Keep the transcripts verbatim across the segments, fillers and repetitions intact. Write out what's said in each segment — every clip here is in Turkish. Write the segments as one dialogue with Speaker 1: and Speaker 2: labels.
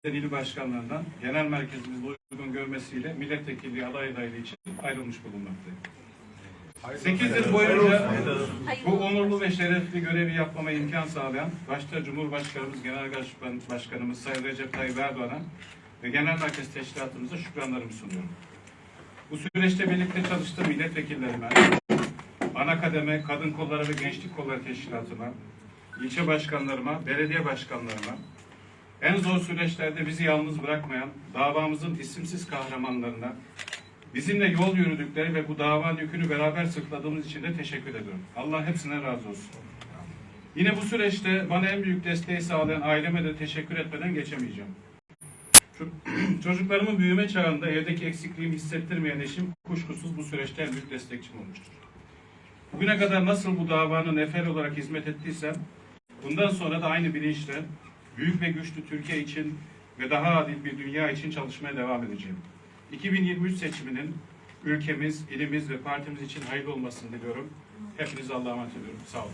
Speaker 1: il başkanlarından genel merkezimizde uygun görmesiyle milletvekilliği aday adaylığı için ayrılmış bulunmaktayım. sekiz yıl boyunca bu onurlu ve şerefli görevi yapmama imkan sağlayan başta Cumhurbaşkanımız, Genel Başkanımız Sayın Recep Tayyip Erdoğan'a ve Genel Merkez Teşkilatımıza şükranlarımı sunuyorum. Bu süreçte birlikte çalıştığım milletvekillerime, ana kademe, kadın kolları ve gençlik kolları teşkilatıma, ilçe başkanlarıma, belediye başkanlarıma, en zor süreçlerde bizi yalnız bırakmayan davamızın isimsiz kahramanlarına, bizimle yol yürüdükleri ve bu davanın yükünü beraber sırtladığımız için de teşekkür ediyorum. Allah hepsine razı olsun. Yine bu süreçte bana en büyük desteği sağlayan aileme de teşekkür etmeden geçemeyeceğim. Çocuklarımın büyüme çağında evdeki eksikliğimi hissettirmeyen eşim kuşkusuz bu süreçte en büyük destekçim olmuştur. Bugüne kadar nasıl bu davanın nefer olarak hizmet ettiysem, bundan sonra da aynı bilinçle büyük ve güçlü Türkiye için ve daha adil bir dünya için çalışmaya devam edeceğim. iki bin yirmi üç seçiminin ülkemiz, ilimiz ve partimiz için hayırlı olmasını diliyorum. Hepinize Allah'a emanet ediyorum. Sağ olun.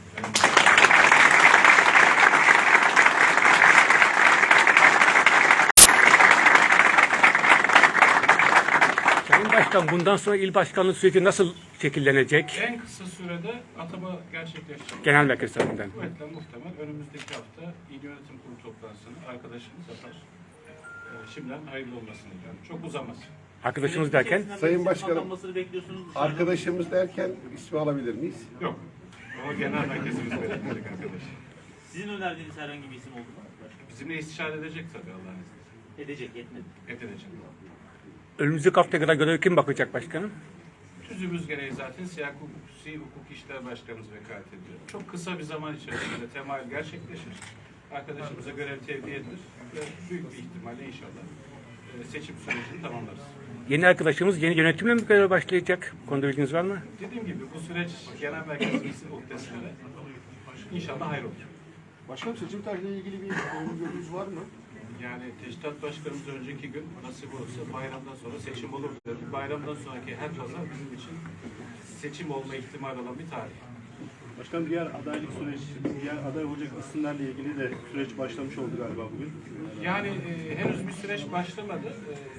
Speaker 2: Sayın Başkan, bundan sonra il başkanlığı süreci nasıl şekillenecek?
Speaker 1: En kısa sürede atama gerçekleşecek.
Speaker 2: Genel merkez tarafından.
Speaker 1: Kuvvetle muhtemel önümüzdeki hafta İl Yönetim Kurulu toplantısını arkadaşımız yapar. Ee, şimdiden hayırlı olmasını diliyorum. Çok uzamaz.
Speaker 2: Arkadaşımız derken?
Speaker 3: Sayın Başkanım, arkadaşımız derken ismi alabilir miyiz?
Speaker 1: Yok. O genel merkezimiz belirleyecek arkadaş.
Speaker 4: Sizin önerdiğiniz herhangi bir isim oldu mu?
Speaker 1: Bizimle istişare edecek tabii Allah'ın izniyle.
Speaker 4: Edecek, etmedi.
Speaker 1: Edecek.
Speaker 2: Önümüzdeki haftaya kadar görev kim bakacak başkanım?
Speaker 1: Tüzüğümüz gereği zaten Siyah Hukuki Hukuk İşler Başkanımız vekalet ediyor. Çok kısa bir zaman içerisinde temayül gerçekleşir. Arkadaşımıza görev tevdi edilir ve büyük bir ihtimalle inşallah seçim sürecini tamamlarız.
Speaker 2: Yeni arkadaşımız yeni yönetimle mi göreve başlayacak? Bu konuda bilginiz var mı?
Speaker 1: Dediğim gibi bu süreç genel merkezimizin muhtesinde inşallah hayır olur.
Speaker 3: Başkanım, seçim tarihiyle ilgili bir öngörünüz var mı?
Speaker 1: Yani Teşkilat Başkanımız önceki gün nasip olursa bayramdan sonra seçim olur dedi. Bayramdan sonraki her pazar bizim için seçim olma ihtimali olan bir tarih.
Speaker 5: Başkanım, diğer adaylık süreci, diğer aday olacak isimlerle ilgili de süreç başlamış oldu galiba bugün.
Speaker 1: Yani e, henüz bir süreç başlamadı.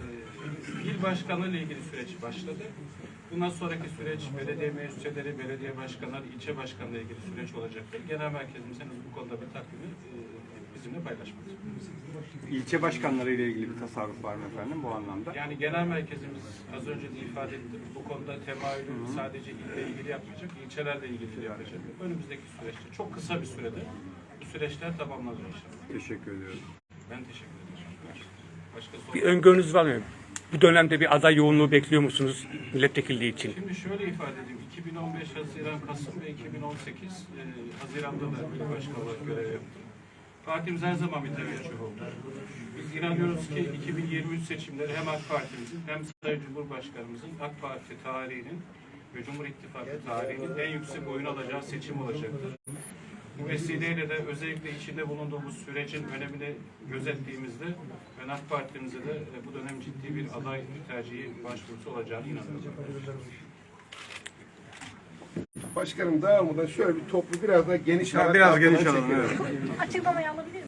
Speaker 1: E, il başkanı ile ilgili süreç başladı. Bundan sonraki süreç belediye meclisleri, belediye başkanları, ilçe başkanı ile ilgili süreç olacaktır. Genel merkezimiz henüz bu konuda bir takvimi e, bizimle paylaşmadı.
Speaker 6: İlçe başkanları ile ilgili bir tasarruf var mı efendim bu anlamda?
Speaker 1: Yani genel merkezimiz az önce de ifade ettim. Bu konuda temayülü sadece ille ilgili yapmayacak, ilçelerle ilgili de yapacak. Önümüzdeki süreçte çok kısa bir sürede bu süreçler tamamlanır inşallah.
Speaker 6: Teşekkür ediyorum.
Speaker 1: Ben teşekkür ederim. Başka soru?
Speaker 2: Bir öngörünüz var mı? Bu dönemde bir aday yoğunluğu bekliyor musunuz milletvekilliği için?
Speaker 1: Şimdi şöyle ifade edeyim. iki bin on beş Haziran, Kasım ve iki bin on sekiz e, Haziran'da da il başkanı olarak görev yaptım. Partimiz her zaman bir teveccüh oldu. Biz inanıyoruz ki iki bin yirmi üç seçimleri hem AK Parti'mizin hem Sayın Cumhurbaşkanımızın AK Parti tarihinin ve Cumhur İttifakı tarihinin en yüksek oyun alacağı seçim olacaktır. Bu vesileyle de özellikle içinde bulunduğumuz sürecin önemini gözettiğimizde ben AK Parti'mize de bu dönem ciddi bir aday tercihi başvurusu olacağını inanıyorum.
Speaker 3: Başkanım, dağılmadan şöyle bir toplu biraz daha geniş
Speaker 6: Ya
Speaker 3: alan
Speaker 6: biraz
Speaker 3: arkadan
Speaker 6: geniş alalım,
Speaker 3: çekelim.
Speaker 6: evet.
Speaker 7: Açıklamayı alabilir miyim?